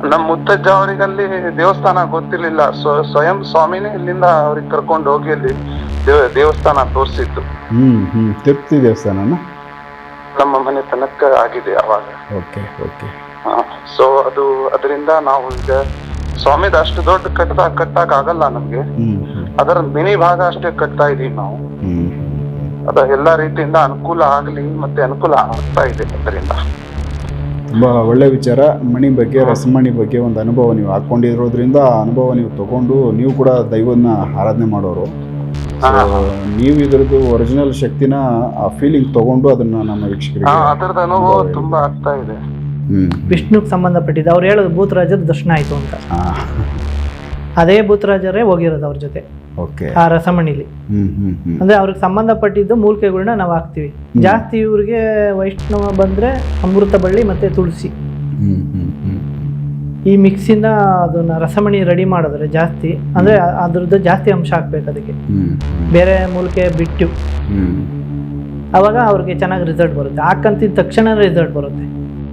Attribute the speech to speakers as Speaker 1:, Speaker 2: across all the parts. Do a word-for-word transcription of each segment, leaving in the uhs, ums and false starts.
Speaker 1: ನಮ್ ಮುತ್ತಜ್ಜ ಅವರಿಗಲ್ಲಿ ದೇವಸ್ಥಾನ ಗೊತ್ತಿರ್ಲಿಲ್ಲ. ಸ್ವಯಂ ಸ್ವಾಮಿನೇ ಇಲ್ಲಿಂದ ಅವ್ರಿಗೆ ಕರ್ಕೊಂಡು ಹೋಗಿ ಅಲ್ಲಿ ದೇವ- ದೇವಸ್ಥಾನ ತೋರಿಸಿದ್ದು.
Speaker 2: ಹ್ಮ್ ಹ್ಮ್ ತಿರುಪತಿ ದೇವಸ್ಥಾನನ?
Speaker 1: ನಮ್ಮ ಮನೆ ತನಕ ಆಗಿದೆ ಅವಾಗ.
Speaker 2: Okay okay.
Speaker 1: ಸೊ ಅದು ಅದರಿಂದ ನಾವು ಈಗ ಸ್ವಾಮಿದ ಅಷ್ಟು ದೊಡ್ಡ ಕಟ್ಟದ ಕಟ್ಟಕ್ ಆಗಲ್ಲ ನಮ್ಗೆ.
Speaker 2: ಹ್ಮ್ ಹ್ಮ್
Speaker 1: ಅದರ ಮಿನಿ ಭಾಗ ಅಷ್ಟೇ ಕಟ್ತಾ ಇದೀವಿ ನಾವು.
Speaker 2: ಹ್ಮ್
Speaker 1: ಅದ ಎಲ್ಲಾ ರೀತಿಯಿಂದ ಅನುಕೂಲ ಆಗ್ಲಿ ಮತ್ತೆ ಅನುಕೂಲ ಆಗ್ತಾ ಇದೆ ಅದರಿಂದ.
Speaker 2: ತುಂಬ ಒಳ್ಳೆ ವಿಚಾರ. ಮಣಿ ಬಗ್ಗೆ, ರಸಮಣಿ ಬಗ್ಗೆ ಒಂದು ಅನುಭವ ನೀವು ಹಾಕ್ಕೊಂಡಿರೋದ್ರಿಂದ ಆ ಅನುಭವ ನೀವು ತಗೊಂಡು ನೀವು ಕೂಡ ದೈವನ ಆರಾಧನೆ ಮಾಡೋರು. ಸೊ ನೀವು ಇದರದ್ದು ಒರಿಜಿನಲ್ ಶಕ್ತಿನ ಆ ಫೀಲಿಂಗ್ ತಗೊಂಡು ಅದನ್ನ ನಮ್ಮ ವೀಕ್ಷಕರಿಗೆ
Speaker 1: ಅದರದ ಅನುಭವ ತುಂಬಾ ಆಗ್ತಾ ಇದೆ.
Speaker 2: ಹ್ಮ್
Speaker 3: ವಿಷ್ಣುಗೆ ಸಂಬಂಧಪಟ್ಟಿದ್ದು ಅವ್ರು ಹೇಳೋದು ಭೂತರಾಜರ ದರ್ಶನ ಆಯ್ತು ಅಂತ. ಅದೇ ಭೂತರಾಜರೇ ಹೋಗಿರೋದು ಅವ್ರ ಜೊತೆ
Speaker 2: ಓಕೆ
Speaker 3: ಆ ರಸಮಣಿಲಿ.
Speaker 2: ಹ್ಮ್ ಹ್ಮ್ ಹ್ಮ್
Speaker 3: ಅಂದ್ರೆ ಅವ್ರಿಗೆ ಸಂಬಂಧಪಟ್ಟಿದ್ದು ಮೂಲಿಕೆಗಳನ್ನ ನಾವು ಹಾಕ್ತಿವಿ. ಜಾಸ್ತಿ ಇವ್ರಿಗೆ ವೈಷ್ಣವ ಬಂದ್ರೆ ಅಮೃತ ಬಳ್ಳಿ ಮತ್ತೆ ತುಳಸಿ
Speaker 2: ಹ್ಮ್ ಹ್ಮ್ ಹ್ಮ್
Speaker 3: ಈ ಮಿಕ್ಸಿಂದ ಅದನ್ನ ರಸಮಣಿ ರೆಡಿ ಮಾಡಿದ್ರೆ ಜಾಸ್ತಿ ಅಂದ್ರೆ ಅದ್ರದ್ದು ಜಾಸ್ತಿ ಅಂಶ ಹಾಕ್ಬೇಕು ಅದಕ್ಕೆ,
Speaker 2: ಹ್ಮ್
Speaker 3: ಬೇರೆ ಮೂಲಿಕೆ ಬಿಟ್ಟು.
Speaker 2: ಹ್ಮ್
Speaker 3: ಅವಾಗ ಅವ್ರಿಗೆ ಚೆನ್ನಾಗಿ ರಿಸಲ್ಟ್ ಬರುತ್ತೆ. ಹಾಕಂತಿದ ತಕ್ಷಣ ರಿಸಲ್ಟ್ ಬರುತ್ತೆ.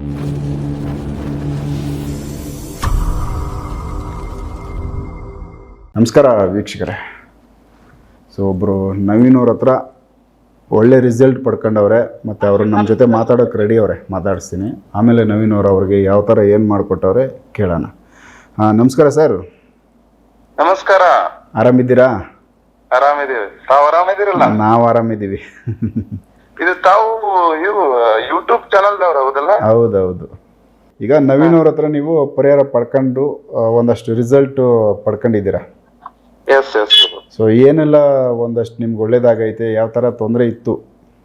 Speaker 2: ನಮಸ್ಕಾರ ವೀಕ್ಷಕರೇ. ಸೊ ಒಬ್ಬರು ನವೀನ್ ಅವ್ರ ಹತ್ರ ಒಳ್ಳೆ ರಿಸಲ್ಟ್ ಪಡ್ಕೊಂಡವ್ರೆ ಮತ್ತು ಅವರು ನಮ್ಮ ಜೊತೆ ಮಾತಾಡೋಕೆ ರೆಡಿ ಅವರೇ, ಮಾತಾಡಿಸ್ತೀನಿ. ಆಮೇಲೆ ನವೀನ್ ಅವರು ಅವ್ರಿಗೆ ಯಾವ ಥರ ಏನು ಮಾಡಿಕೊಟ್ಟವ್ರೆ ಕೇಳೋಣ. ಹಾಂ ನಮಸ್ಕಾರ ಸರ್.
Speaker 1: ನಮಸ್ಕಾರ.
Speaker 2: ಆರಾಮಿದ್ದೀರಾ?
Speaker 1: ಆರಾಮಿದೀವಿ. ತಾವು ಆರಾಮಿದ್ದೀರಲ್ಲ?
Speaker 2: ನಾವು ಆರಾಮಿದ್ದೀವಿ.
Speaker 1: ಇದು ತಾವು ಇವು ಯೂಟ್ಯೂಬ್ ಚಾನಲ್ದವ್ರು ಹೌದಲ್ಲ?
Speaker 2: ಹೌದೌದು. ಈಗ ನವೀನ್ ಅವ್ರ ಹತ್ರ ನೀವು ಪರಿಹಾರ ಪಡ್ಕೊಂಡು ಒಂದಷ್ಟು ರಿಸಲ್ಟ್ ಪಡ್ಕೊಂಡಿದ್ದೀರಾ.
Speaker 1: Yes yes.
Speaker 2: ಸೊ ಏನೆಲ್ಲ ಒಂದಷ್ಟು ನಿಮ್ಗೆ ಒಳ್ಳೇದಾಗೈತೆ? ಯಾವ ಥರ ತೊಂದರೆ ಇತ್ತು?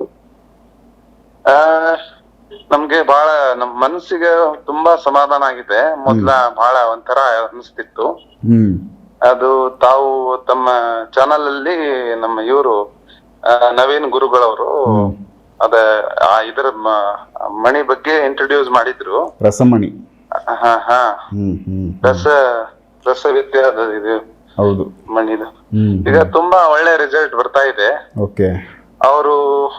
Speaker 1: ನಮ್ಗೆ ಬಹಳ ನಮ್ ಮನಸ್ಸಿಗೆ ತುಂಬಾ ಸಮಾಧಾನ ಆಗಿದೆ. ಮೊದ್ಲ ಬಹಳ ಒಂಥರ ಅನಿಸ್ತಿತ್ತು.
Speaker 2: ಹ್ಮ್
Speaker 1: ಅದು ತಾವು ತಮ್ಮ ಚಾನಲ್ ಅಲ್ಲಿ ನಮ್ಮ ಇವರು ನವೀನ್ ಗುರುಗಳವರು ಅದ ಇದರ ಮಣಿ ಬಗ್ಗೆ ಇಂಟ್ರೊಡ್ಯೂಸ್ ಮಾಡಿದ್ರು.
Speaker 2: ರಸಮಣಿ.
Speaker 1: ಹಾ ಹಾ
Speaker 2: ಹ್ಮ್ ಹ್ಮ್
Speaker 1: ರಸ ರಸ ವಿದ್ಯಾದ ಇದು
Speaker 2: ಹೌದು
Speaker 1: ಮಣಿದು.
Speaker 2: ಹ್ಮ್
Speaker 1: ಈಗ ತುಂಬಾ ಒಳ್ಳೆ ರಿಸಲ್ಟ್ ಬರ್ತಾ ಇದೆ.
Speaker 2: ಓಕೆ.
Speaker 1: ಅವರು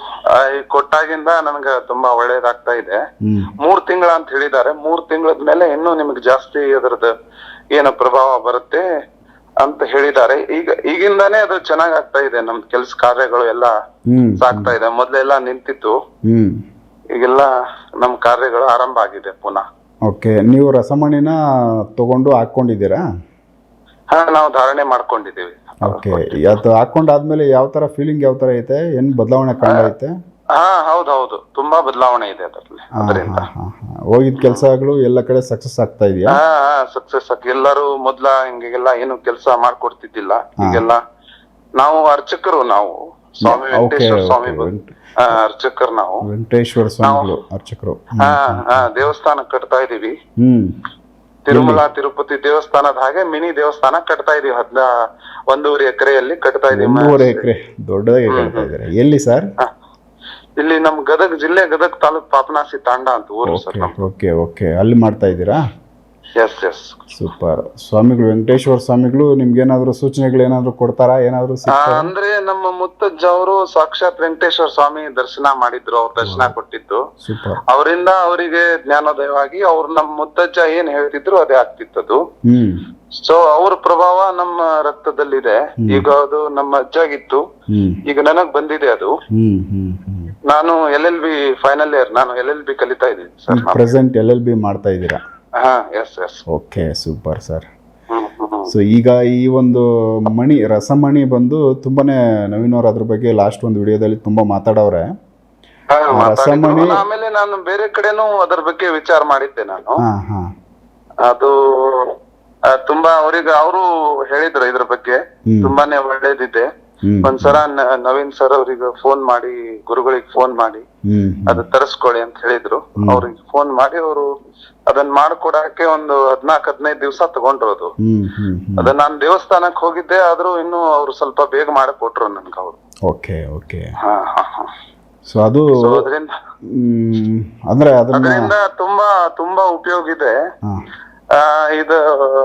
Speaker 1: ಕೊಟ್ಟಾಗಿಂದ ನನ್ಗ ತುಂಬಾ ಒಳ್ಳೇದಾಗ್ತಾ ಇದೆ.
Speaker 2: ಹ್ಮ್
Speaker 1: ಮೂರ್ ತಿಂಗಳ ಅಂತ ಹೇಳಿದ್ದಾರೆ. ಮೂರ್ ತಿಂಗಳದ ಮೇಲೆ ಇನ್ನೂ ನಿಮ್ಗೆ ಜಾಸ್ತಿ ಅದರದ ಏನು ಪ್ರಭಾವ ಬರುತ್ತೆ ಅಂತ ಹೇಳಿದ್ದಾರೆ. ಈಗ ಈಗಿಂದಾನೇ ಅದು ಚೆನ್ನಾಗ್ ಆಗ್ತಾ ಇದೆ. ನಮ್ ಕೆಲ್ಸ ಕಾರ್ಯಗಳು ಎಲ್ಲಾ
Speaker 2: ಹ್ಮ್
Speaker 1: ಸಾಗ್ತಾ ಇದೆ. ಮೊದ್ಲೆಲ್ಲಾ ನಿಂತಿತ್ತು,
Speaker 2: ಹ್ಮ್
Speaker 1: ಈಗೆಲ್ಲ ನಮ್ ಕಾರ್ಯಗಳು ಆರಂಭ ಆಗಿದೆ ಪುನಃ.
Speaker 2: ಓಕೆ. ನೀವು ರಸಮಣಿನ ತಗೊಂಡು ಹಾಕೊಂಡಿದ್ದೀರಾ?
Speaker 1: ಹಾ, ನಾವು ಧಾರಣೆ ಮಾಡ್ಕೊಂಡಿದೀವಿ.
Speaker 2: ಓಕೆ. ಅದು ಹಾಕೊಂಡಾದ್ಮೇಲೆ ಯಾವ ತರ ಫೀಲಿಂಗ್, ಯಾವ ತರ ಐತೆ? ಏನ್ ಬದಲಾವಣೆ ಕಂಡೈತೆ?
Speaker 1: ಹಾ ಹೌದೌದು, ತುಂಬಾ ಬದಲಾವಣೆ ಇದೆ ಅದರಲ್ಲಿ. ಅದರಿಂದ
Speaker 2: ಹೋಗಿದ್ ಕೆಲ್ಸಗಳು ಎಲ್ಲ ಕಡೆ ಸಕ್ಸಸ್ ಆಗ್ತಾ ಇದೆಯಾ?
Speaker 1: ಹಾ ಹಾ ಸಕ್ಸಸ್ ಆಗಿ ಎಲ್ಲರೂ ಮೊದ್ಲ ಹಿಂಗೆಲ್ಲ ಏನು ಕೆಲಸ ಮಾಡ್ಕೊಡ್ತಿದ್ದಿಲ್ಲ. ಈಗೆಲ್ಲ ನಾವು ಅರ್ಚಕರು, ನಾವು ಸ್ವಾಮಿ ವೆಂಕಟೇಶ್ವರ ಸ್ವಾಮಿ ಅರ್ಚಕರು, ನಾವು
Speaker 2: ವೆಂಕಟೇಶ್ವರ ಸ್ವಾಮಿಗಳು ಅರ್ಚಕರು.
Speaker 1: ಹಾ ಹಾ ದೇವಸ್ಥಾನ ಕಟ್ತಾ ಇದೀವಿ.
Speaker 2: ಹ್ಮ್
Speaker 1: ತಿರುಮಲ ತಿರುಪತಿ ದೇವಸ್ಥಾನದ ಹಾಗೆ ಮಿನಿ ದೇವಸ್ಥಾನ ಕಟ್ತಾ ಇದೀವಿ. ಹದ್ನ ಒಂದೂವರೆ ಎಕರೆಯಲ್ಲಿ ಕಟ್ತಾ ಇದೀವಿ.
Speaker 2: ಒಂದೂವರೆ ಎಕರೆ ದೊಡ್ಡದಾಗಿ ಕಟ್ತಾ ಇದ್ದಾರೆ. ಎಲ್ಲಿ ಸರ್?
Speaker 1: ಇಲ್ಲಿ ನಮ್ ಗದಗ ಜಿಲ್ಲೆ, ಗದಗ ತಾಲೂಕ್ ಪಾಪನಾಸಿ ತಾಂಡ ಅಂತ ಊರು ಸರ್.
Speaker 2: Okay okay. ಅಲ್ಲಿ ಮಾಡ್ತಾ ಇದ್ದೀರಾ?
Speaker 1: Yes yes.
Speaker 2: ಸೂಪರ್. ಸ್ವಾಮಿಗಳು, ವೆಂಕಟೇಶ್ವರ ಸ್ವಾಮಿಗಳು ನಿಮ್ಗೆ ಏನಾದ್ರು ಸೂಚನೆಗಳು ಏನಾದ್ರು ಕೊಡ್ತಾರಾ? ಏನಾದ್ರು
Speaker 1: ಅಂದ್ರೆ ನಮ್ಮ ಮುತ್ತಜ್ಜ ಅವರು ಸಾಕ್ಷಾತ್ ವೆಂಕಟೇಶ್ವರ ಸ್ವಾಮಿ ದರ್ಶನ ಮಾಡಿದ್ರು. ಅವ್ರ ದರ್ಶನ ಕೊಟ್ಟಿದ್ದು.
Speaker 2: ಸೂಪರ್.
Speaker 1: ಅವರಿಂದ ಅವರಿಗೆ ಜ್ಞಾನೋದಯವಾಗಿ ಅವ್ರು ನಮ್ಮ ಮುತ್ತಜ್ಜ ಏನ್ ಹೇಳ್ತಿದ್ರು ಅದೇ ಆಗ್ತಿತ್ತದು.
Speaker 2: ಹ್ಮ್
Speaker 1: ಸೊ ಅವ್ರ ಪ್ರಭಾವ ನಮ್ಮ ರಕ್ತದಲ್ಲಿದೆ. ಈಗ ಅದು ನಮ್ಮ ಅಜ್ಜಾಗಿತ್ತು, ಈಗ ನನಗ್ ಬಂದಿದೆ ಅದು.
Speaker 2: ಹ್ಮ್ ಹ್ಮ್ ಹ್ಮ್
Speaker 1: ನಾನು L L B final year, ನಾನು ಎಲ್ ಎಲ್ ಬಿ ಕಲಿತಾ ಇದ್ದೀನಿ sir.
Speaker 2: Present L L B ಮಾಡ್ತಾ ಇದ್ದೀರಾ?
Speaker 1: ಹಾ yes yes.
Speaker 2: Okay, super sir. So ಈಗ ಈ ಒಂದು ಮಣಿ, ರಸಮಣಿ ಬಂದು ತುಂಬಾನೇ ನವೀನ್ ಅವ್ರ ಅದ್ರ ಬಗ್ಗೆ ಲಾಸ್ಟ್ ಒಂದು ವಿಡಿಯೋದಲ್ಲಿ ತುಂಬಾ ಮಾತಾಡವ್ರೆ.
Speaker 1: ರಸಮಣಿ ಆಮೇಲೆ ನಾನು ಬೇರೆ ಕಡೆನೂ ಅದ್ರ ಬಗ್ಗೆ ವಿಚಾರ ಮಾಡಿದ್ದೆ ನಾನು. ಅದು ತುಂಬಾ ಅವ್ರಿಗೆ ಅವರು ಹೇಳಿದ್ರು ಇದ್ರ ಬಗ್ಗೆ ತುಂಬಾನೇ ಒಳ್ಳೇದಿದೆ. ಒಂದ್ಸಲ ನವೀನ್ ಸರ್ ಅವ್ರಿಗೆ ಫೋನ್ ಮಾಡಿ, ಗುರುಗಳಿಗೆ ಫೋನ್ ಮಾಡಿ ಅದು ತರಿಸ್ಕೊಳ್ಳಿ ಅಂತ ಹೇಳಿದ್ರು. ಅವ್ರಿಗೆ ಫೋನ್ ಮಾಡಿ ಅವರು ಅದನ್ನ ಮಾಡ್ಕೊಡಕ್ಕೆ ಒಂದು ಹದ್ನಾಕ್ ಹದಿನೈದು ದಿವ್ಸ ತಗೊಂಡ್ರೋದು. ಅದ ನಾನ್ ದೇವಸ್ಥಾನಕ್ ಹೋಗಿದ್ದೆ, ಆದ್ರೂ ಇನ್ನು ಅವ್ರು ಸ್ವಲ್ಪ ಬೇಗ ಮಾಡಕೊಟ್ರು ನನ್ಗೆ ಅವ್ರು.
Speaker 2: Okay okay.
Speaker 1: ಹಾ ಹಾ ಹಾ.
Speaker 2: ಸೊ ಅದು
Speaker 1: ಅದರಿಂದ
Speaker 2: ಅಂದ್ರೆ
Speaker 1: ಅದರಿಂದ ತುಂಬಾ ತುಂಬಾ ಉಪಯೋಗ ಇದೆ. ಆ ಇದು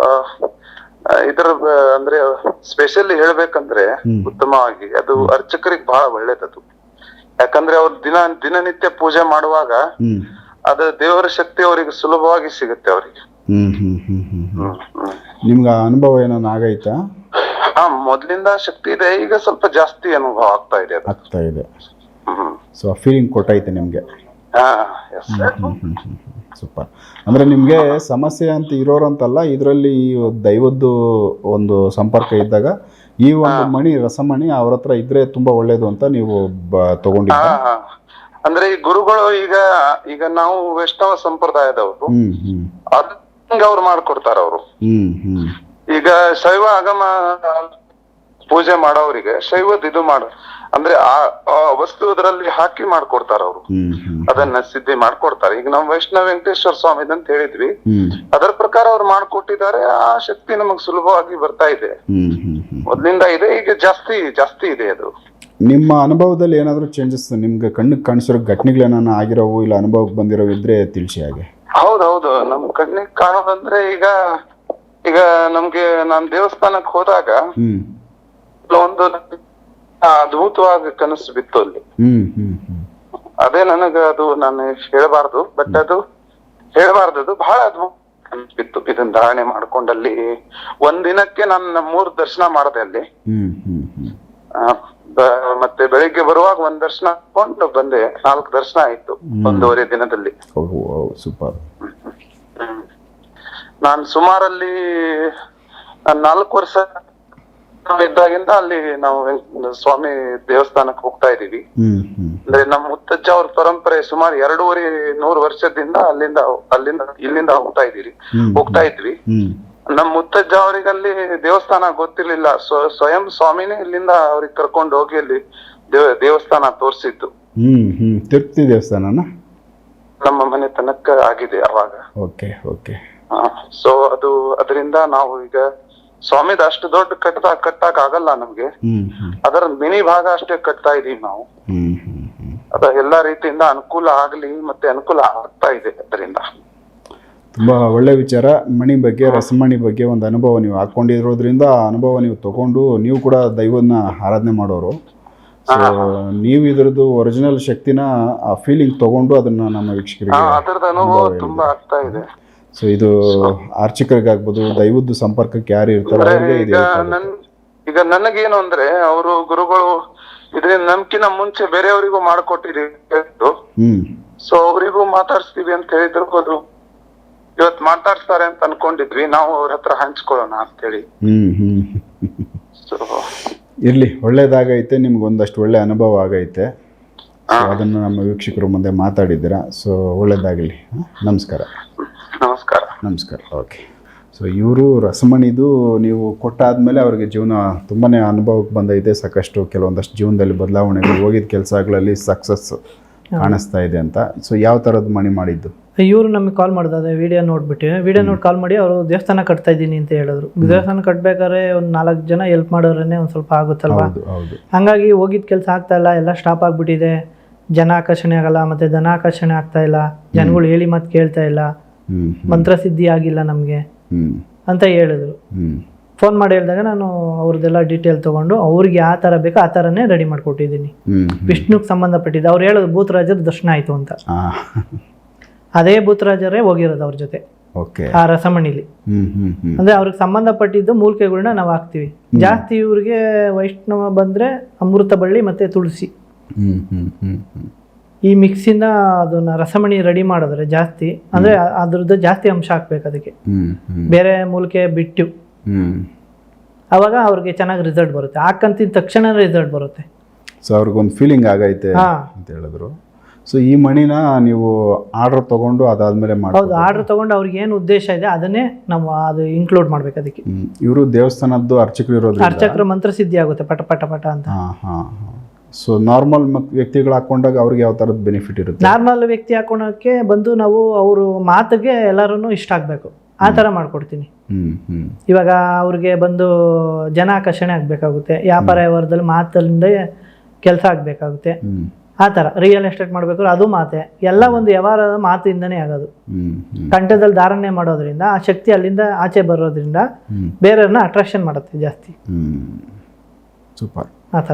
Speaker 1: ಇದರ ಅಂದ್ರೆ ಸ್ಪೆಷಲಿ ಹೇಳ್ಬೇಕಂದ್ರೆ ಉತ್ತಮವಾಗಿ ಅದು ಅರ್ಚಕರಿಗೆ ಬಹಳ ಒಳ್ಳೇದದು. ಯಾಕಂದ್ರೆ ಅವ್ರು ದಿನ ದಿನನಿತ್ಯ ಪೂಜೆ ಮಾಡುವಾಗ ಅದು ದೇವರ ಶಕ್ತಿ ಅವರಿಗೆ ಸುಲಭವಾಗಿ ಸಿಗುತ್ತೆ. ಅವರಿಗೆ
Speaker 2: ಹ್ಮ್ ಹ್ಮ್ ಹ್ಮ್ ಹ್ಮ್ ಹ್ಮ್ ನಿಮ್ಗೆ ಆ ಅನುಭವ ಏನಾನ ಆಗೈತಾ?
Speaker 1: ಹಾ, ಮೊದ್ಲಿಂದ ಶಕ್ತಿ ಇದೆ, ಈಗ ಸ್ವಲ್ಪ ಜಾಸ್ತಿ ಅನುಭವ ಆಗ್ತಾ ಇದೆ ಅದು.
Speaker 2: ಆಗ್ತಾ ಇದೆ.
Speaker 1: ಹ್ಮ್
Speaker 2: ಸೊ ಆ ಫೀಲಿಂಗ್ ಕೊಟ್ಟೈತೆ ನಿಮಗೆ.
Speaker 1: ಹಾ, ಎಸ್.
Speaker 2: ಹ್ಮ್ ಹ್ಮ್ ಹ್ಮ್ ಸೂಪರ್. ಅಂದರೆ ನಿಮಗೆ ಸಮಸ್ಯೆ ಅಂತ ಇರೋರಂತಲ್ಲ, ಇದರಲ್ಲಿ ಈ ದೈವದ್ದು ಒಂದು ಸಂಪರ್ಕ ಇದ್ದಾಗ ಈ ಒಂದು ಮಣಿ ರಸಮಣಿ ಅವ್ರ ಹತ್ರ ಇದ್ರೆ ತುಂಬಾ ಒಳ್ಳೇದು ಅಂತ ನೀವು ತಗೊಂಡಿದ್ದ.
Speaker 1: ಹಾ, ಅಂದ್ರೆ ಈ ಗುರುಗಳು ಈಗ ಈಗ ನಾವು ವೈಷ್ಣವ ಸಂಪ್ರದಾಯದವರು,
Speaker 2: ಹ್ಮ್ ಹ್ಮ್
Speaker 1: ಅದ್ ಅವ್ರು ಮಾಡ್ಕೊಡ್ತಾರ ಅವರು.
Speaker 2: ಹ್ಮ್ ಹ್ಮ್
Speaker 1: ಈಗ ಶೈವ ಆಗಮ ಪೂಜೆ ಮಾಡೋರಿಗೆ ಶೈವದ್ ಇದು ಮಾಡ ಅಂದ್ರೆ ಆ ಆ ವಸ್ತು ಅದರಲ್ಲಿ ಹಾಕಿ ಮಾಡ್ಕೊಡ್ತಾರ ಅವರು.
Speaker 2: ಹ್ಮ್ ಹ್ಮ್
Speaker 1: ಅದನ್ನ ಸಿದ್ಧಿ ಮಾಡ್ಕೊಡ್ತಾರೆ. ಈಗ ನಾವು ವೈಷ್ಣವ ವೆಂಕಟೇಶ್ವರ ಸ್ವಾಮಿ ಅಂತ ಹೇಳಿದ್ವಿ,
Speaker 2: ಹ್ಮ್
Speaker 1: ಅದರ ಪ್ರಕಾರ ಅವ್ರು ಮಾಡ್ಕೊಟ್ಟಿದ್ದಾರೆ. ಆ ಶಕ್ತಿ ನಮಗ್ ಸುಲಭವಾಗಿ ಬರ್ತಾ ಇದೆ,
Speaker 2: ಹ್ಮ್ ಹ್ಮ್ ಹ್ಮ್
Speaker 1: ಮೊದ್ಲಿಂದ ಇದೆ, ಈಗ ಜಾಸ್ತಿ ಜಾಸ್ತಿ ಇದೆ ಅದು.
Speaker 2: ನಿಮ್ಮ ಅನುಭವದಲ್ಲಿ ಏನಾದರೂ ಚೇಂಜಸ್ ನಿಮ್ಗೆ ಕಣ್ಣಿಗೆ ಕಾಣಿಸಿರೋ ಘಟನೆಗಳೇನಾನ ಆಗಿರೋವು ಇಲ್ಲ ಅನುಭವಕ್ಕೆ ಬಂದಿರೋ ಇದ್ರೆ ತಿಳಿಸಿ ಹಾಗೆ.
Speaker 1: ಹೌದೌದು, ನಮ್ ಕಣ್ಣಿಗೆ ಕಾಣೋದಂದ್ರೆ ಈಗ ಈಗ ನಮ್ಗೆ ನಾನ್ ದೇವಸ್ಥಾನಕ್ ಹೋದಾಗ
Speaker 2: ಹ್ಮ್
Speaker 1: ಒಂದು ಅದ್ಭುತವಾಗಿ ಕನಸು ಬಿತ್ತು ಅಲ್ಲಿ.
Speaker 2: ಹ್ಮ್ ಹ್ಮ್ ಹ್ಮ್
Speaker 1: ಅದೇ ನನಗ ಅದು ನಾನು ಹೇಳ್ಬಾರ್ದು, ಬಟ್ ಅದು ಹೇಳ್ಬಾರ್ದು, ಅದು ಬಹಳ ಅದ್ಭುತ ಕನಸು ಬಿತ್ತು. ಇದನ್ನ ಧಾರಣೆ ಮಾಡ್ಕೊಂಡಲ್ಲಿ ಒಂದ್ ದಿನಕ್ಕೆ ನಾನು ಮೂರ್ ದರ್ಶನ ಮಾಡಿದೆ ಅಲ್ಲಿ.
Speaker 2: ಹ್ಮ್ ಹ್ಮ್ ಹ್ಮ್
Speaker 1: ಆ, ಬ- ಮತ್ತೆ ಬೆಳಿಗ್ಗೆ ಬರುವಾಗ ಒಂದ್ ದರ್ಶನ ಹಾಕೊಂಡು ಬಂದೆ. ನಾಲ್ಕು ದರ್ಶನ ಆಯ್ತು ಒಂದೂವರೆ ದಿನದಲ್ಲಿ.
Speaker 2: ಸೂಪರ್.
Speaker 1: ನಾನ್ ಸುಮಾರಲ್ಲಿ ನಾಲ್ಕು ವರ್ಷ ಇದ್ದಾಗಿಂದ ಅಲ್ಲಿ ನಾವು ವೆಂಕ್- ಸ್ವಾಮಿ ದೇವಸ್ಥಾನಕ್ಕೆ ಹೋಗ್ತಾ ಇದೀವಿ.
Speaker 2: ಹ್ಮ್ ಹ್ಮ್
Speaker 1: ಅಂದ್ರೆ ನಮ್ಮ ಮುತ್ತಜ್ಜ ಅವ್ರ ಪರಂಪರೆ ಸುಮಾರು ಎರಡೂವರೆ ನೂರು ವರ್ಷದಿಂದ ಅಲ್ಲಿಂದ ಅಲ್ಲಿಂದ ಇಲ್ಲಿಂದ ಹೋಗ್ತಾ ಇದೀವಿ ಹೋಗ್ತಾ ಇದ್ವಿ.
Speaker 2: ಹ್ಮ್
Speaker 1: ನಮ್ ಮುತ್ತಜ್ಜ ಅವ್ರಿಗೆ ಅಲ್ಲಿ ದೇವಸ್ಥಾನ ಗೊತ್ತಿರ್ಲಿಲ್ಲ. ಸ್ವ- ಸ್ವಯಂ ಸ್ವಾಮಿನೇ ಇಲ್ಲಿಂದ ಅವ್ರಿಗೆ ಕರ್ಕೊಂಡು ಹೋಗಿ ಅಲ್ಲಿ ದೇವ ದೇವಸ್ಥಾನ ತೋರಿಸಿದ್ದು.
Speaker 2: ಹ್ಮ್ ಹ್ಮ್ ತಿರುಪತಿ ದೇವಸ್ಥಾನನ
Speaker 1: ನಮ್ಮ ಮನೆ ತನಕ ಆಗಿದೆ ಅವಾಗ.
Speaker 2: Okay okay.
Speaker 1: ಸೊ ಅದು ಅದರಿಂದ ನಾವು ಈಗ ಸ್ವಾಮಿದ ಅಷ್ಟು ದೊಡ್ಡ ಕಟ್ಟದ ಕಟ್ಟಾಕ್ ಆಗಲ್ಲ ನಮ್ಗೆ.
Speaker 2: ಹ್ಮ್ ಹ್ಮ್
Speaker 1: ಅದರ ಮಿನಿ ಭಾಗ ಅಷ್ಟೇ ಕಟ್ತಾ ಇದೀವಿ ನಾವು.
Speaker 2: ಹ್ಮ್ ಹ್ಮ್ ಹ್ಮ್
Speaker 1: ಅದ ಎಲ್ಲಾ ರೀತಿಯಿಂದ ಅನುಕೂಲ ಆಗ್ಲಿ ಮತ್ತೆ ಅನುಕೂಲ ಆಗ್ತಾ ಇದೆ ಅದರಿಂದ.
Speaker 2: ತುಂಬಾ ಒಳ್ಳೆ ವಿಚಾರ. ಮಣಿ ಬಗ್ಗೆ ರಸಮಣಿ ಬಗ್ಗೆ ಒಂದು ಅನುಭವ ನೀವು ಹಾಕೊಂಡಿರೋದ್ರಿಂದ ಆ ಅನುಭವ ನೀವು ತಗೊಂಡು ನೀವು ಕೂಡ ದೈವನ ಆರಾಧನೆ ಮಾಡೋರು. ಸೊ ನೀವು ಇದ್ರದ್ದು ಒರಿಜಿನಲ್ ಶಕ್ತಿನ ಆ ಫೀಲಿಂಗ್ ತಗೊಂಡು ಅದನ್ನ ನಮ್ಮ ವೀಕ್ಷಕರಿಗೆ
Speaker 1: ಅದರದ ಅನುಭವ ತುಂಬಾ ಆಗ್ತಾ ಇದೆ.
Speaker 2: ಸೊ ಇದು ಅರ್ಚಕರಿಗಾಗ್ಬೋದು, ದೈವದ್ದು ಸಂಪರ್ಕಕ್ಕೆ ಯಾರು ಇರ್ತಾರೆ ಅವ್ರಿಗೆ
Speaker 1: ಈಗ ನನ್ ಈಗ ನನಗೇನು ಅಂದ್ರೆ ಅವರು ಗುರುಗಳು ಇದರಿಂದ ನಮ್ಕಿನ ಮುಂಚೆ ಬೇರೆಯವರಿಗೂ ಮಾಡ್ಕೊಟ್ಟಿದೀವಿ.
Speaker 2: ಹ್ಮ್
Speaker 1: ಸೊ ಅವರಿಗೂ ಮಾತಾಡ್ಸ್ತೀವಿ ಅಂತ ಹೇಳಿದ್ರು. ಅದು ಇವತ್ ಮಾತಾಡ್ಸ್ತಾರೆ ಅಂತ ಅನ್ಕೊಂಡಿದ್ವಿ ನಾವು, ಅವ್ರ ಹತ್ರ ಹಂಚ್ಕೊಳ್ಳೋಣ ಅಂತ ಹೇಳಿ.
Speaker 2: ಹ್ಮ್ ಹ್ಮ್
Speaker 1: ಸೊ
Speaker 2: ಇರ್ಲಿ, ಒಳ್ಳೇದಾಗೈತೆ. ನಿಮ್ಗೆ ಒಂದಷ್ಟು ಒಳ್ಳೆ ಅನುಭವ ಆಗೈತೆ. ಸೊ ಅದನ್ನು ನಮ್ಮ ವೀಕ್ಷಕರು ಮುಂದೆ ಮಾತಾಡಿದ್ದೀರಾ. ಸೊ ಒಳ್ಳೇದಾಗಲಿ. ನಮಸ್ಕಾರ.
Speaker 1: ನಮಸ್ಕಾರ.
Speaker 2: ನಮಸ್ಕಾರ. ಓಕೆ. ಸೊ ಇವರು ರಸಮಣಿದು ನೀವು ಕೊಟ್ಟಾದ್ಮೇಲೆ ಅವ್ರಿಗೆ ಜೀವನ ತುಂಬಾ ಅನುಭವಕ್ಕೆ ಬಂದೈತೆ. ಸಾಕಷ್ಟು ಕೆಲವೊಂದಷ್ಟು ಜೀವನದಲ್ಲಿ ಬದಲಾವಣೆಗಳು, ಹೋಗಿದ್ದ ಕೆಲಸಗಳಲ್ಲಿ ಸಕ್ಸಸ್ ಕಾಣಿಸ್ತಾ ಇದೆ ಅಂತ. ಸೊ ಯಾವ ಥರದ್ದು ಮಣಿ ಮಾಡಿದ್ದು?
Speaker 3: ಇವರು ನಮಗೆ ಕಾಲ್ ಮಾಡಿದ ಅದೇ ವಿಡಿಯೋ ನೋಡ್ಬಿಟ್ಟು ವಿಡಿಯೋ ನೋಡಿ ಕಾಲ್ ಮಾಡಿ ಅವರು ದೇವಸ್ಥಾನ ಕಟ್ತಾ ಇದ್ದೀನಿ ಅಂತ ಹೇಳಿದ್ರು. ದೇವಸ್ಥಾನ ಕಟ್ಬೇಕಾದ್ರೆ ಒಂದು ನಾಲ್ಕು ಜನ ಹೆಲ್ಪ್ ಮಾಡೋರೇ ಒಂದು ಸ್ವಲ್ಪ ಆಗುತ್ತಲ್ವಾ. ಹಂಗಾಗಿ ಹೋಗಿದ್ದ ಕೆಲಸ ಆಗ್ತಾ ಇಲ್ಲ, ಎಲ್ಲ ಸ್ಟಾಪ್ ಆಗ್ಬಿಟ್ಟಿದೆ. ಜನ ಆಕರ್ಷಣೆ ಆಗಲ್ಲ, ಮತ್ತೆ ಧನ ಆಕರ್ಷಣೆ ಆಗ್ತಾ ಇಲ್ಲ, ಜನಗಳು ಹೇಳಿ ಮತ್ತೆ ಕೇಳ್ತಾ ಇಲ್ಲ, ಮಂತ್ರ ಸಿದ್ಧಿ ಆಗಿಲ್ಲ ನಮಗೆ ಅಂತ ಹೇಳಿದ್ರು. ಫೋನ್ ಮಾಡಿ ಹೇಳಿದಾಗ ನಾನು ಅವ್ರದ್ದೆಲ್ಲ ಡೀಟೇಲ್ ತಗೊಂಡು ಅವ್ರಿಗೆ ಯಾವ ಥರ ಬೇಕೋ ಆ ಥರನೇ ರೆಡಿ ಮಾಡಿಕೊಟ್ಟಿದ್ದೀನಿ. ವಿಷ್ಣುಗೆ ಸಂಬಂಧಪಟ್ಟಿದ್ದು ಅವ್ರು ಹೇಳೋದು ಭೂತರಾಜರ ದರ್ಶನ ಆಯಿತು ಅಂತ. ಅದೇ ಭೂತರಾಜರೇ ಹೋಗಿರೋದು ಅವ್ರ ಜೊತೆ ಆ ರಸಮಣಿಲಿ. ಅಂದ್ರೆ ಅವ್ರಿಗೆ ಸಂಬಂಧಪಟ್ಟಿದ್ದು ಮೂಲಿಕೆಗಳನ್ನ ನಾವು ಹಾಕ್ತಿವಿ. ಜಾಸ್ತಿ ಇವ್ರಿಗೆ ವೈಷ್ಣವ ಬಂದ್ರೆ ಅಮೃತ ಬಳ್ಳಿ ಮತ್ತೆ ತುಳಸಿ ಈ ಮಿಕ್ಸಿಂದ ಅದನ್ನ ರಸಮಣಿ ರೆಡಿ ಮಾಡಿದ್ರೆ ಜಾಸ್ತಿ ಅಂದ್ರೆ ಅದ್ರದ್ದು ಜಾಸ್ತಿ ಅಂಶ ಹಾಕ್ಬೇಕು ಅದಕ್ಕೆ, ಬೇರೆ ಮೂಲಿಕೆ ಬಿಟ್ಟು. ಅವಾಗ ಅವ್ರಿಗೆ ಚೆನ್ನಾಗಿ ರಿಸಲ್ಟ್ ಬರುತ್ತೆ. ಹಾಕಂತಿದ ತಕ್ಷಣ ರಿಸಲ್ಟ್ ಬರುತ್ತೆ.
Speaker 2: ಸೊ ಅವ್ರಿಗೊಂದು ಫೀಲಿಂಗ್ ಆಗೈತೆ ಅಂತ ಹೇಳಿದ್ರು. ಸೊ ಈ ಮಣಿನ ನೀವು ಆರ್ಡರ್ ತಗೊಂಡು ಅದಾದ್ಮೇಲೆ ಮಾಡಿ?
Speaker 3: ಹೌದು, ಆರ್ಡರ್ ತಗೊಂಡು ಅವ್ರಿಗೆ ಏನು ಉದ್ದೇಶ ಇದೆ ಅದನ್ನೇ ನಾವು ಅದು ಇನ್ಕ್ಲೂಡ್ ಮಾಡ್ಬೇಕು ಅದಕ್ಕೆ.
Speaker 2: ಇವರು ದೇವಸ್ಥಾನದ್ದು ಅರ್ಚಕರು ಇರೋದು,
Speaker 3: ಅರ್ಚಕರು ಮಂತ್ರ ಸಿದ್ಧಿ ಆಗುತ್ತೆ ಪಟ ಪಟ ಪಟ ಅಂತ.
Speaker 2: ಸೊ ನಾರ್ಮಲ್ ವ್ಯಕ್ತಿಗಳು ಹಾಕೊಂಡಾಗ ಅವ್ರಿಗೆ ಯಾವ ಥರದ ಬೆನಿಫಿಟ್ ಇರುತ್ತೆ?
Speaker 3: ನಾರ್ಮಲ್ ವ್ಯಕ್ತಿ ಹಾಕೊಳಕ್ಕೆ ಬಂದು ನಾವು ಅವರು ಮಾತಿಗೆ ಎಲ್ಲರೂ ಇಷ್ಟ ಆಗಬೇಕು ಆ ಥರ ಮಾಡ್ಕೊಡ್ತೀನಿ. ಇವಾಗ ಅವ್ರಿಗೆ ಬಂದು ಜನ ಆಕರ್ಷಣೆ ಆಗಬೇಕಾಗುತ್ತೆ, ವ್ಯಾಪಾರ ವ್ಯವಹಾರದಲ್ಲಿ ಮಾತಲ್ಲಿಂದ ಕೆಲಸ ಆಗಬೇಕಾಗುತ್ತೆ. ಆ ಥರ ರಿಯಲ್ ಎಸ್ಟೇಟ್ ಮಾಡಬೇಕು, ಅದು ಮಾತೆ ಎಲ್ಲ ಒಂದು ವ್ಯವಹಾರದ ಮಾತಿಂದನೇ ಆಗೋದು. ಕಂಠದಲ್ಲಿ ಧಾರಣೆ ಮಾಡೋದ್ರಿಂದ ಆ ಶಕ್ತಿ ಅಲ್ಲಿಂದ ಆಚೆ ಬರೋದ್ರಿಂದ ಬೇರೆಯವ್ರನ್ನ ಅಟ್ರಾಕ್ಷನ್ ಮಾಡುತ್ತೆ ಜಾಸ್ತಿ.
Speaker 2: ಸೂಪರ್.
Speaker 3: ಆ ಥರ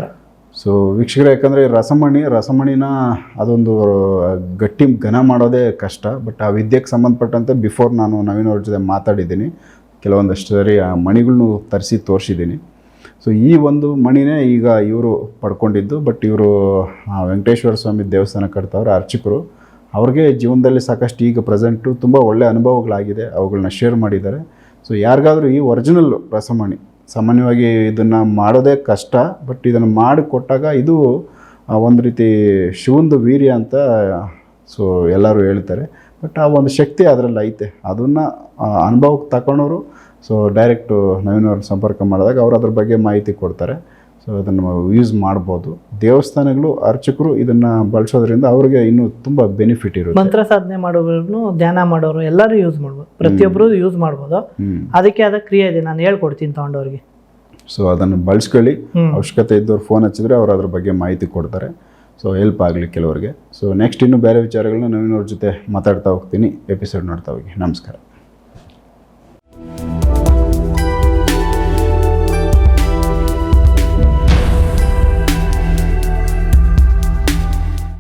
Speaker 2: ಸೊ ವೀಕ್ಷಕರೇ, ಯಾಕಂದರೆ ರಸಮಣಿ ರಸಮಣಿನ ಅದೊಂದು ಗಟ್ಟಿ ಘನ ಮಾಡೋದೇ ಕಷ್ಟ. ಬಟ್ ಆ ವಿದ್ಯೆಗೆ ಸಂಬಂಧಪಟ್ಟಂತೆ ಬಿಫೋರ್ ನಾನು ನವೀನ್ ಅವ್ರ ಜೊತೆ ಮಾತಾಡಿದ್ದೀನಿ, ಕೆಲವೊಂದಷ್ಟು ಸರಿ ಆ ಮಣಿಗಳ್ನು ತರಿಸಿ ತೋರಿಸಿದ್ದೀನಿ. ಸೊ ಈ ಒಂದು ಮಣಿನೇ ಈಗ ಇವರು ಪಡ್ಕೊಂಡಿದ್ದು. ಬಟ್ ಇವರು ವೆಂಕಟೇಶ್ವರ ಸ್ವಾಮಿ ದೇವಸ್ಥಾನ ಕಟ್ತವ್ರೆ ಅರ್ಚಕರು. ಅವ್ರಿಗೆ ಜೀವನದಲ್ಲಿ ಸಾಕಷ್ಟು ಈಗ ಪ್ರೆಸೆಂಟು ತುಂಬ ಒಳ್ಳೆಯ ಅನುಭವಗಳಾಗಿದೆ, ಅವುಗಳನ್ನ ಶೇರ್ ಮಾಡಿದ್ದಾರೆ. ಸೊ ಯಾರಿಗಾದರೂ ಈ ಒರಿಜಿನಲ್ ರಸಮಣಿ, ಸಾಮಾನ್ಯವಾಗಿ ಇದನ್ನು ಮಾಡೋದೇ ಕಷ್ಟ, ಬಟ್ ಇದನ್ನು ಮಾಡಿ ಕೊಟ್ಟಾಗ ಇದು ಒಂದು ರೀತಿ ಶಿವಂದು ವೀರ್ಯ ಅಂತ ಸೊ ಎಲ್ಲರೂ ಹೇಳ್ತಾರೆ. ಬಟ್ ಆ ಒಂದು ಶಕ್ತಿ ಅದರಲ್ಲಿ ಐತೆ. ಅದನ್ನು ಅನುಭವಕ್ಕೆ ತಗೊಂಡವರು ಸೊ ಡೈರೆಕ್ಟು ನವೀನ್ ಅವ್ರನ್ನ ಸಂಪರ್ಕ ಮಾಡಿದಾಗ ಅವ್ರು ಅದ್ರ ಬಗ್ಗೆ ಮಾಹಿತಿ ಕೊಡ್ತಾರೆ. ಸೊ ಅದನ್ನು ಯೂಸ್ ಮಾಡ್ಬೋದು. ದೇವಸ್ಥಾನಗಳು ಅರ್ಚಕರು ಇದನ್ನು ಬಳಸೋದ್ರಿಂದ ಅವ್ರಿಗೆ ಇನ್ನೂ ತುಂಬ ಬೆನಿಫಿಟ್ ಇರುತ್ತೆ.
Speaker 3: ಮಂತ್ರ ಸಾಧನೆ ಮಾಡೋರು, ಧ್ಯಾನ ಮಾಡೋರು ಎಲ್ಲರೂ ಯೂಸ್ ಮಾಡ್ಬೋದು, ಪ್ರತಿಯೊಬ್ಬರು ಯೂಸ್ ಮಾಡ್ಬೋದು. ಅದಕ್ಕೆ ಆದ ಕ್ರಿಯೆ ಇದೆ, ನಾನು ಹೇಳ್ಕೊಡ್ತೀನಿ ತಗೊಂಡವ್ರಿಗೆ.
Speaker 2: ಸೊ ಅದನ್ನು ಬಳಸ್ಕೊಳ್ಳಿ. ಅವಶ್ಯಕತೆ ಇದ್ದವ್ರು ಫೋನ್ ಹಚ್ಚಿದ್ರೆ ಅವ್ರು ಅದ್ರ ಬಗ್ಗೆ ಮಾಹಿತಿ ಕೊಡ್ತಾರೆ. ಸೊ ಹೆಲ್ಪ್ ಆಗಲಿ ಕೆಲವರಿಗೆ. ಸೊ ನೆಕ್ಸ್ಟ್ ಇನ್ನೂ ಬೇರೆ ವಿಚಾರಗಳನ್ನ ನವೀನ್ ಅವ್ರ ಜೊತೆ ಮಾತಾಡ್ತಾ ಹೋಗ್ತೀನಿ. ಎಪಿಸೋಡ್ ನೋಡ್ತಾ ಹೋಗಿ. ನಮಸ್ಕಾರ.